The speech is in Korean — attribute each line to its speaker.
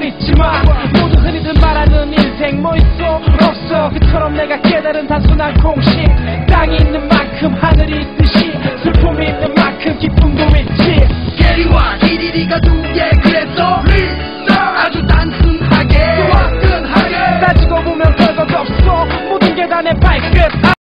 Speaker 1: 있지만 모두 흔히들 말하는 인생 뭐 있어 없어 그처럼 내가 깨달은 단순한 공식 땅이 있는 만큼 하늘이 있듯이 슬픔이 있는 만큼 기쁨도 있지
Speaker 2: 게리와 디디디가 두개 그래서 아주 단순하게
Speaker 1: 따지고 보면 별것 없어 모든 게 다 내 발끝